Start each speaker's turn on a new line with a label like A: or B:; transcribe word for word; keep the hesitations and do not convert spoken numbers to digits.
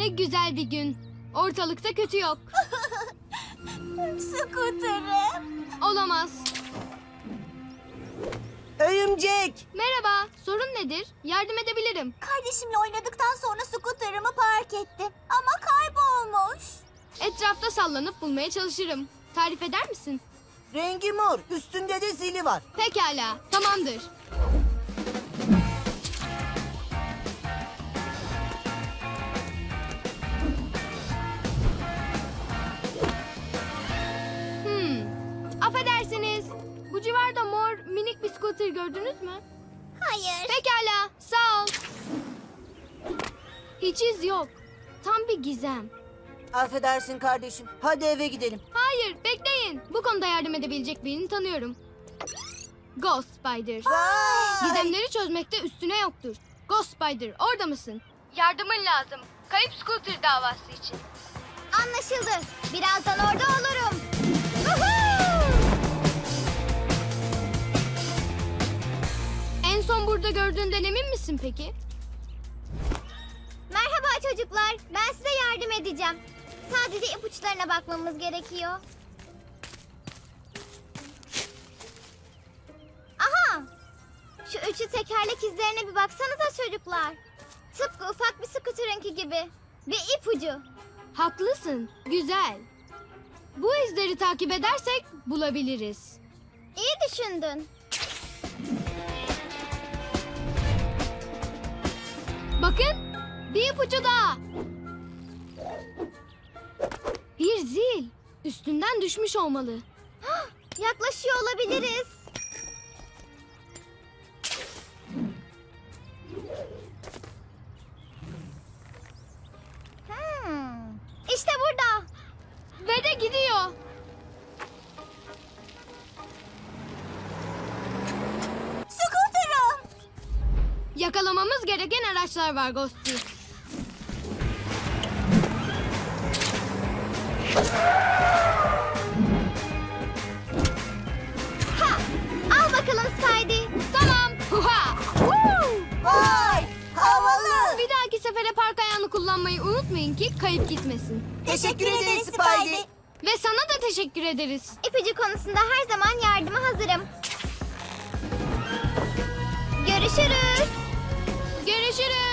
A: Ne güzel bir gün. Ortalıkta kötü yok.
B: Skuterım.
A: Olamaz.
C: Örümcek.
A: Merhaba, sorun nedir? Yardım edebilirim.
B: Kardeşimle oynadıktan sonra skuterımı park ettim. Ama kaybolmuş.
A: Etrafta sallanıp bulmaya çalışırım. Tarif eder misin?
C: Rengi mor. Üstünde de zili var.
A: Pekala, tamamdır. Hmm, affedersiniz. Bu civarda mor minik bir scooter gördünüz mü?
B: Hayır.
A: Pekala, sağ ol. Hiç iz yok. Tam bir gizem.
C: Affedersin kardeşim. Hadi eve gidelim.
A: Hayır, bekleyin. Bu konuda yardım edebilecek birini tanıyorum. Ghost Spider.
C: Vay!
A: Gizemleri çözmekte üstüne yoktur. Ghost Spider, orada mısın? Yardımın lazım. Kayıp scooter davası için.
B: Anlaşıldı. Birazdan orada olurum.
A: En son burada gördüğünden emin misin peki?
B: Merhaba çocuklar. Ben size yardım edeceğim. Sadece ipuçlarına bakmamız gerekiyor. Aha! Şu üçü tekerlek izlerine bir baksanıza çocuklar. Tıpkı ufak bir skuterınki gibi. Bir ipucu.
A: Haklısın, güzel. Bu izleri takip edersek bulabiliriz.
B: İyi düşündün.
A: Bakın, bir ipucu daha. Bir zil. Üstünden düşmüş olmalı.
B: Yaklaşıyor olabiliriz. Hmm. İşte burada.
A: Ve de gidiyor.
B: Skuterım.
A: Yakalamamız gereken araçlar var Ghosty.
B: Ha! Al bakalım Spidey.
A: Tamam. Huha! Woo!
C: Vay! Havalı.
A: Bir dahaki sefere park ayağını kullanmayı unutmayın ki kayıp gitmesin.
C: Teşekkür ederiz Spidey.
A: Ve sana da teşekkür ederiz.
B: İpucu konusunda her zaman yardıma hazırım. Görüşürüz.
A: Görüşürüz.